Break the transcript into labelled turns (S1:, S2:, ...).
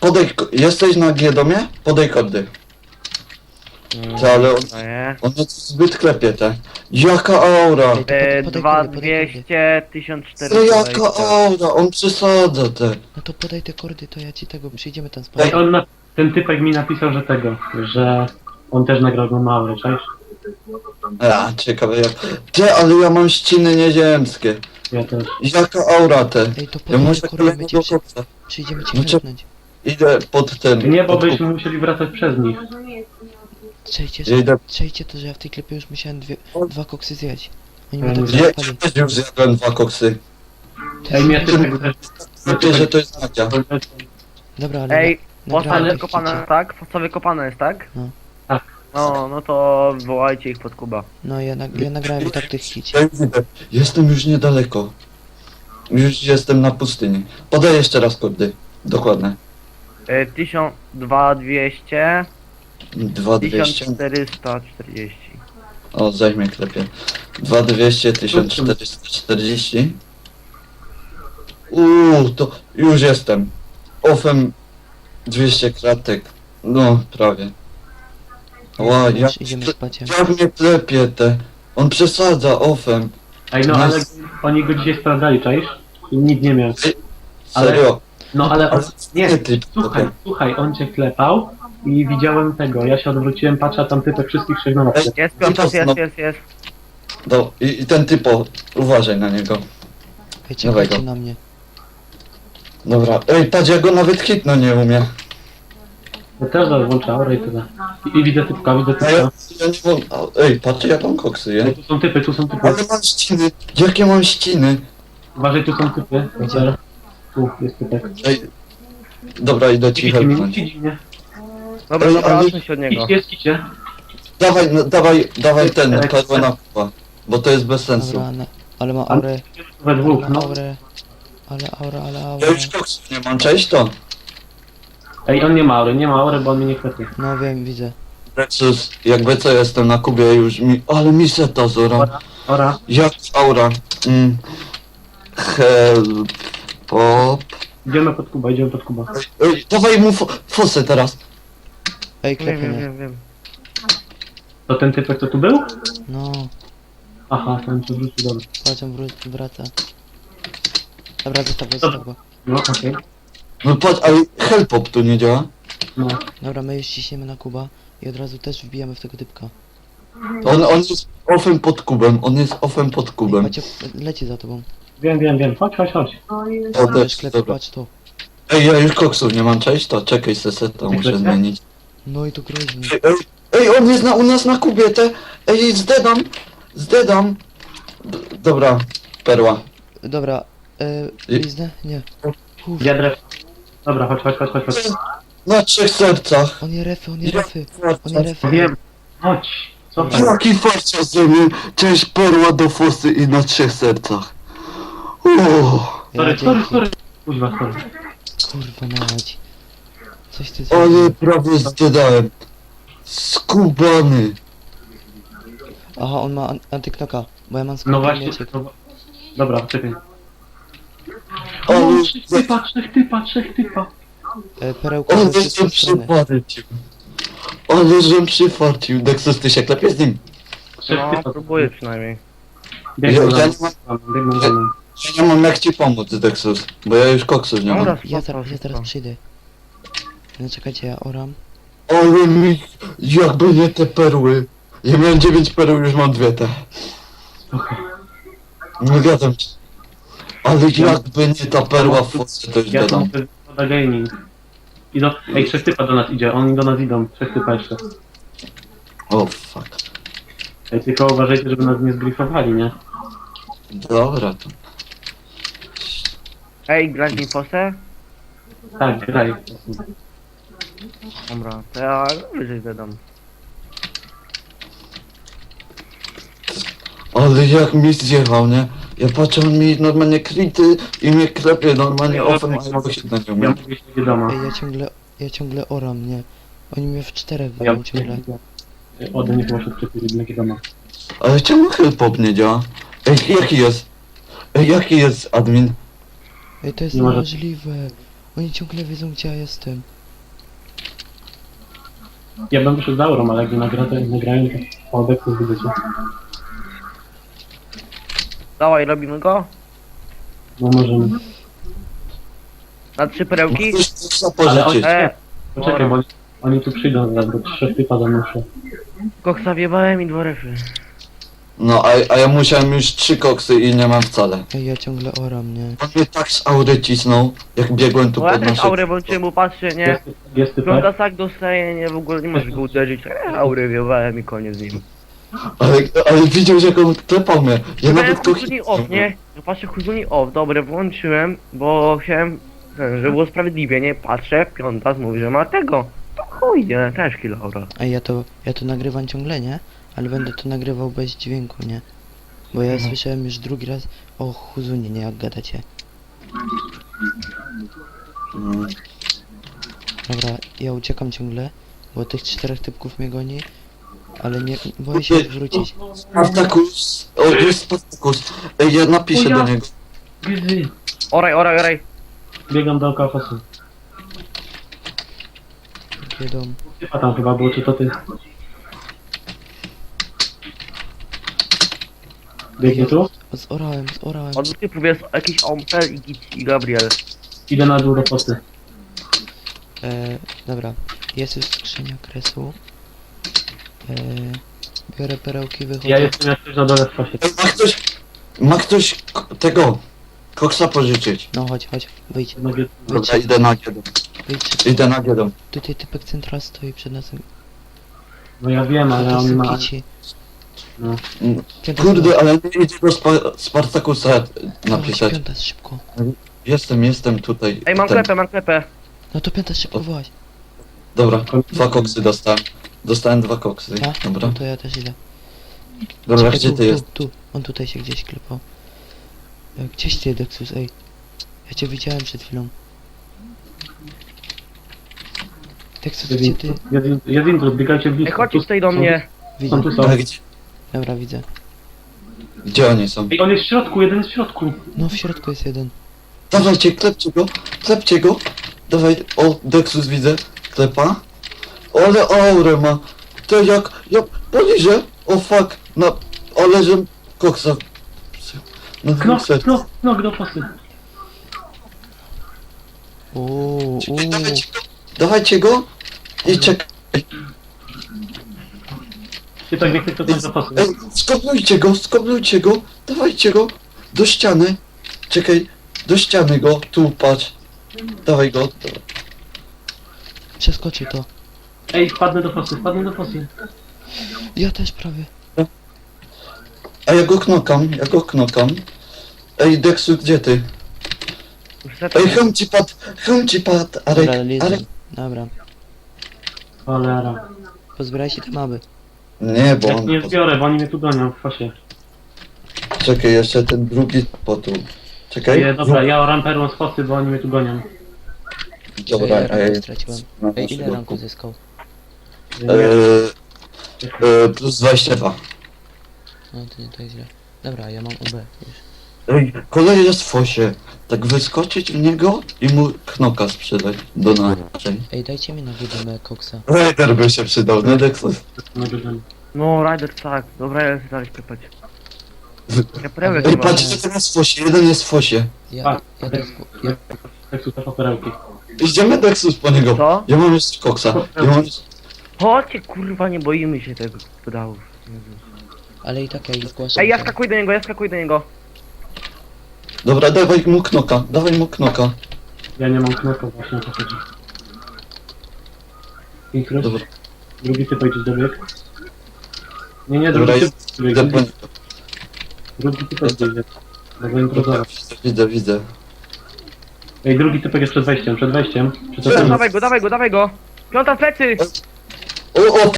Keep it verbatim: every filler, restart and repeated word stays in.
S1: podej, jesteś na G-domie? Podej kordy.
S2: Mm,
S1: Ty, ale on,
S2: no nie.
S1: on jest zbyt klepie, te. Jaka aura!
S3: Ej, to
S2: E,
S3: podaj
S2: dwa
S3: kordy, podaj kordy.
S2: dwieście, tysiąc
S1: Co
S2: czterysta
S1: jaka
S2: dwadzieścia.
S1: aura? On przesadza, te.
S3: No to podaj te kordy, to ja ci tego, przyjdziemy tam
S4: Ej,
S3: spać.
S4: on na, ten typek mi napisał, że tego, że on też nagrał go mały, cześć?
S1: A, ciekawe jak... Ty, ale ja mam ściny nieziemskie.
S4: Ja też.
S1: Jaka aura, te.
S3: Ej, to
S1: Ja
S3: podaj
S1: muszę
S3: te kordy,
S1: kolejnego
S3: będzie przy...
S1: kopca.
S3: przyjdziemy cię
S1: No co-
S3: helpnąć.
S1: Idę pod ten...
S4: Nie, bo
S1: pod
S4: byśmy musieli wracać przez nich.
S3: Przejdźcie,
S1: Ja idę...
S3: przejdźcie to, że ja w tej klepie już musiałem dwie, dwa koksy zjeść. Oni
S4: Ja
S3: mnie tak
S4: nie-
S1: Ja
S3: załapali.
S1: też już zjadłem dwa koksy.
S4: Ej, mnie typek też...
S1: Wiecie, że to jest Nadia.
S3: Dobra, ale...
S2: Ej,
S3: nagrałem
S2: fosa
S3: ich
S2: wykopana,
S3: chcecie.
S2: tak? Fosa wykopana jest, tak?
S3: No.
S4: Tak.
S2: No, no to wołajcie ich pod Kuba.
S3: No ja, nag ja nagrałem i tak tych hici.
S1: Ja już idę. Jestem już niedaleko. Już jestem na pustyni. Podaj jeszcze raz kordy. Dokładne.
S2: E, tysiąc, dwa dwieście,
S1: dwa
S2: tysiąc
S1: dwieście.
S2: czterysta czterdzieści.
S1: O, zajmie klepie. dwa dwieście, tysiąc czterysta czterdzieści. Uuu, to już jestem. Ofem dwieście kratek. No, prawie. Ła, jak,
S3: Już idziemy spać.
S1: jak mnie klepie te. On przesadza ofem.
S4: Ej, no ale oni go dzisiaj sprawdzali, czaisz? I nic nie miał. Ale-
S1: Serio.
S4: No ale... On, nie,
S1: ty,
S4: słuchaj, słuchaj, on cię klepał i widziałem tego. Ja się odwróciłem, patrzę, a tam typek wszystkich trzech na nocy.
S2: Jest piątas, jest, jest, jest.
S1: No, i, i ten typo, uważaj na niego.
S3: Ej, czekajcie
S1: Nowego.
S3: na mnie.
S1: Dobra, ej, patrz, ja go nawet hitno nie umie.
S4: Ja też zaraz włączę aurę i tyle. I, I widzę typka, widzę
S1: No ja,
S4: typka.
S1: ja nie mam... a, Ej, patrz, jak on koksy je.
S4: Ej, tu są typy, tu są typy.
S1: Ale mam ściny, jakie mam ściny?
S4: Uważaj, tu są typy.
S3: Gdzie?
S4: Tu jest typek.
S1: Ej, dobra, idę ci
S4: Widzi mnie,
S1: helpnąć.
S4: widzi mnie.
S2: Dobra,
S1: Ej,
S2: dobra,
S1: ale-
S2: odsuń się od niego.
S4: Idźcie, idźcie.
S1: Dawaj, no, dawaj, dawaj ten,
S4: Ej,
S1: perłę na kupa, bo to jest bez sensu.
S3: Dobra, na... ale ma aurę.
S4: We
S3: Ale
S4: dwóch,
S3: ma
S4: no.
S3: aurę. Ale aura, ale
S1: Ja
S3: aura.
S1: już koksów nie mam, cześć to.
S4: Ej, on nie ma aury, nie ma aury, bo on mnie nie klepie.
S3: No wiem, widzę.
S1: Nexus, jakby co, jestem na Kubie już mi... Ale mi seta zora.
S4: Ora.
S1: Jak aura. Mm. Help. Pop.
S4: Idziemy pod Kuba, idziemy pod Kuba.
S1: Ej, dawaj mu fo fosę teraz.
S3: Ej,
S2: Wiem,
S3: klepie
S2: wiem,
S3: mnie.
S2: wiem, wiem.
S4: To ten typek, co tu był?
S3: No,
S4: Aha, ten co wrócił, dobra.
S3: patrz, on wró- wraca. Dobra, zostaw go, zostaw go.
S4: No, okej.
S1: No patrz, ale helpop tu nie działa.
S4: No.
S3: Dobra, my już ciśniemy na Kuba i od razu też wbijamy w tego typka.
S1: On, on jest ofem pod kubem, on jest ofem pod
S3: Ej,
S1: kubem.
S3: Macie, leci za tobą.
S4: Wiem, wiem, wiem. Chodź, chodź, chodź.
S1: O,
S3: Też
S1: też,
S3: klepie,
S1: dobra.
S3: patrz to.
S1: Ej, ja już koksów nie mam, cześć to, czekaj seseta, muszę
S4: Chcecie?
S1: zmienić.
S3: No i to groźnie.
S1: Ej, ej, ej, on jest na, u nas na kubie, te, ej, zdedam, zdedam. D dobra, perła.
S3: Dobra, e,
S1: I-
S3: liznę? Nie. Uff,
S4: Ja dref. Dobra, chodź, chodź, chodź, chodź, chodź.
S1: Na trzech sercach.
S3: on je refy, on je
S1: Ja-
S3: refy. On je refy.
S4: Wiem. Chodź. Cofaj.
S1: Jaki farcia ze mnie, cześć perła do fosy i na trzech sercach. Uuu,
S4: Sorry,
S3: Ja,
S4: sorry,
S3: dzięki.
S4: sorry. Kuźwa, sorry.
S3: Kurwa mać. Coś ty
S1: ale
S3: zrobił.
S1: prawie zdedałem. Skubany.
S3: Aha, on ma an antyknoka, bo ja mam
S4: No
S3: skorpion
S4: właśnie.
S3: mieczek.
S4: No, dobra, czekaj.
S1: Ale-
S4: O, trzech typa, trzech typa, trzech typa.
S3: E, perełka
S1: Ale
S3: ze wszystkich
S1: żem
S3: stron.
S1: przyfarcił. Ale żem przyfarcił. Dexus, ty się klepie z nim.
S4: Trzech
S2: No,
S4: typa.
S2: próbuję przynajmniej.
S4: Biegną
S1: Ja-
S4: za
S1: ja
S4: mną. Biegną za mną.
S1: Ja nie mam jak ci pomóc, Dexus, bo ja już koksów nie mam.
S2: Dobra,
S3: Ja
S2: spoko,
S3: zaraz, ja
S2: spoko.
S3: zaraz przyjdę. No czekajcie, ja oram.
S1: Ale mi, jakby nie te perły. Ja miałem dziewięć perł, już mam dwie te.
S4: Okej.
S1: Nie gadam ci. Ale jakby nie ta perła w fosie, to już
S4: Ja
S1: gadam.
S4: tam Pada Gaming. Idą, ej, trzech typa do nas idzie, oni do nas idą, trzech typa jeszcze.
S1: O fuck.
S4: Ej, tylko uważajcie, żeby nas nie zgrifowali, nie?
S1: Dobra to.
S2: Ej, grać mi fosę?
S4: Tak, graj.
S2: Dobra, to ja wyżej zadam.
S1: Ale jak mi zjechał, nie? Ja patrzę, on mi normalnie krity i mnie klepie normalnie ofem, a ja się na nią
S4: Ja
S1: umiem.
S4: mówię się wiadomo.
S3: Ej, ja ciągle, ja ciągle oram, nie? Oni mnie w czterech
S4: Ja
S3: walą ciągle.
S4: ode mnie chyba się przepili, nie wiadomo.
S1: Ale czemu helpop nie działa? Ej, jaki jest? Ej, jaki jest admin?
S3: Ej, to jest
S4: Nie może-
S3: niemożliwe. Oni ciągle wiedzą, gdzie ja jestem.
S4: Ja bym wyszedł z aurą, ale jak nie nagra, to nagrają, to o deksu zbycie.
S2: Dawaj, robimy go.
S4: No możemy.
S2: Na trzy perełki.
S1: Chcesz coś pożyczyć.
S2: E,
S4: Poczekaj, bo oni, oni tu przyjdą zaraz, bo trzy typa za mną szło.
S2: koksa wjebałem i dwa refy.
S1: No, a, a ja musiałem już trzy koksy i nie mam wcale.
S3: Ej, ja ciągle oram, nie?
S1: On mnie tak z aury cisnął, jak biegłem tu
S2: Bo ja
S1: pod
S2: też
S1: nasze...
S2: aurę włączyłem, bo patrzcie, nie?
S4: Jest, jest
S2: Piąta
S4: typek?
S2: tak dostaje, nie, w ogóle nie możesz go uderzyć. E, aurę wjebałem i koniec z nim.
S1: Ale, ale widział, że on klepał mnie. Ja
S2: Miałem
S1: nawet to...
S2: huzuni off, nie? No patrzę, huzuni off, dobre, włączyłem, bo chciałem, ten, żeby było sprawiedliwie, nie? Patrzę, piąta mówi, że ma tego. To chuj, nie? Też kill aura.
S3: Ej, ja to, ja to nagrywam ciągle, nie? Ale będę to nagrywał bez dźwięku, nie? Bo ja słyszałem już drugi raz o Huzunie, nie? Jak gadacie.
S1: Mm.
S3: Dobra, ja uciekam ciągle, bo tych czterech typków mnie goni. Ale nie, boję się wrócić.
S1: Spartakus. O, jest Spartakus. Ej, ja napiszę
S4: O ja.
S1: do niego.
S4: Gizzy.
S2: Oraj, oraj, oraj.
S4: Biegam dookoła fosu.
S3: Jedą.
S4: Typa tam chyba było, czy to ty? Biegnie tu?
S3: Zorałem, zorałem.
S2: Od dwóch typów jest jakiś Ompel i, Gic- i Gabriel.
S4: Idę na dół do fosy.
S3: E, dobra, jest już skrzynia kresu. E, biorę perełki, wychodzę.
S4: Ja jestem jak coś na dole w fosie.
S1: Ej, ma ktoś... Ma ktoś k- tego... Koksa pożyczyć.
S3: No chodź, chodź, wyjdź,
S4: Jednak jest-
S1: Dobra, idę na giedą.
S3: wyjdź.
S1: Idę na giedą.
S3: Tutaj typek central stoi przed nas.
S4: No ja wiem, ale on ma...
S3: Kici.
S4: No.
S1: Mm,
S3: Piąta
S1: Kurde, ale nie idzie do Spa Spartakusa napisać.
S3: Piąta, szybko.
S1: Jestem, jestem tutaj.
S2: Ej, mam
S1: Ten.
S2: klepę, mam klepę.
S3: No to piąta, szybko wołać.
S1: Dobra, dwa koksy dostałem. Dostałem dwa koksy.
S3: Ja?
S1: Dobra.
S3: No to ja też idę.
S1: Dobra,
S3: Czekaj,
S1: gdzie
S3: tu,
S1: ty jest?
S3: Tu, tu, on tutaj się gdzieś klepał. E, Gdzieś ty, Dexus, ej. Ja cię widziałem przed chwilą. Dexus,
S4: Jest
S3: gdzie
S4: in-
S3: ty?
S4: jest in- jest intruz, biegajcie
S2: Ej,
S4: blisko.
S2: chodźcie
S4: Tu-
S2: tutaj do
S4: są-
S2: mnie.
S3: Widzę.
S4: Są tu są.
S1: Ale gdzie,
S3: Dobra, widzę.
S1: gdzie oni są?
S4: Ej, on jest w środku, jeden jest w środku.
S3: No w środku jest jeden.
S1: Dawajcie, klepcie go, klepcie go. Dawaj, o, Dexus widzę, klepa. O, ale aurę ma. To jak, jak, poliżę. O fuck, no, ale że koksa. No,
S4: Knok,
S1: koksa.
S4: knok, knok do fosy.
S3: Uuu, uuu.
S1: Dawajcie go, dawajcie go i czekaj.
S4: Typek nie chce to do fosy.
S1: Ej, skoplujcie go, skoplujcie go, dawajcie go do ściany. Czekaj, do ściany go, tu patrz. Dawaj go.
S3: Przeskoczył to.
S4: Ej, wpadnę do fosy, wpadnę do fosy.
S3: Ja też prawie.
S1: A ja go knokam, ja go knokam. Ej, Dexu, gdzie ty?
S2: Już setę.
S1: Ej, chem ci padł, chem ci padł,
S3: Dobra,
S1: Arek,
S3: lizę.
S1: Arek.
S3: Dobra.
S4: Cholera.
S3: Pozbieraj się te maby.
S1: Nie, bo
S4: Ja
S1: on...
S4: nie zbiorę, bo oni mnie tu gonią w fosie.
S1: Czekaj, jeszcze ten drugi potu. Czekaj.
S4: Ej, dobra, ja oram perłą z fosy, bo oni mnie tu gonią.
S1: Dobra,
S3: ja ranku
S1: ej.
S3: straciłem.
S1: na
S3: Ej, ile
S1: naszego
S3: ranku
S1: ku-
S3: zyskał?
S1: Eee, eee, plus dwadzieścia dwa.
S3: No to, to jest źle. Dobra, ja mam U B już.
S1: Ej, kolej jest w fosie. Tak wyskoczyć w niego i mu knoka sprzedać do naszej.
S3: Ej, dajcie mi na górę koksa.
S1: Raider by się przydał, nie Dexus?
S2: No, Rider, tak. Dobra, ja chcę dalej klepać. Ja perełek
S1: Ej,
S2: nie mam.
S1: patrzcie, ten jest w fosie, jeden jest w fosie.
S3: Ja,
S4: Tak.
S3: ja też... Ja,
S4: Jak tu te perełki.
S1: Idziemy Dexus po niego.
S2: Co?
S1: Ja mam jeszcze koksa. Ja mam jeszcze...
S2: Chodźcie, kurwa, nie boimy się tego pedałów.
S3: ale i tak ja ich zgłaszam.
S2: Ej, ja skakuj do niego, ja skakuj do niego.
S1: Dobra, dawaj mu knoka, dawaj mu knoka.
S4: Ja nie mam knoka, właśnie o to chodzi. Intruz.
S1: Dobra,
S4: Drugi typ gdzieś dobieg. Nie, nie,
S1: dobra,
S4: drugi typ
S1: jest... Idę po
S4: dobieg.
S1: niego.
S4: Drugi typ gdzieś dobieg. Dobra,
S1: Dobra,
S4: improwizować.
S1: widzę, widzę.
S4: Ej, drugi typek jest przed wejściem, przed wejściem. Przed
S2: Dobra,
S4: wejściem.
S2: dawaj go, dawaj go, dawaj go. Piąta w plecy!
S1: O, o,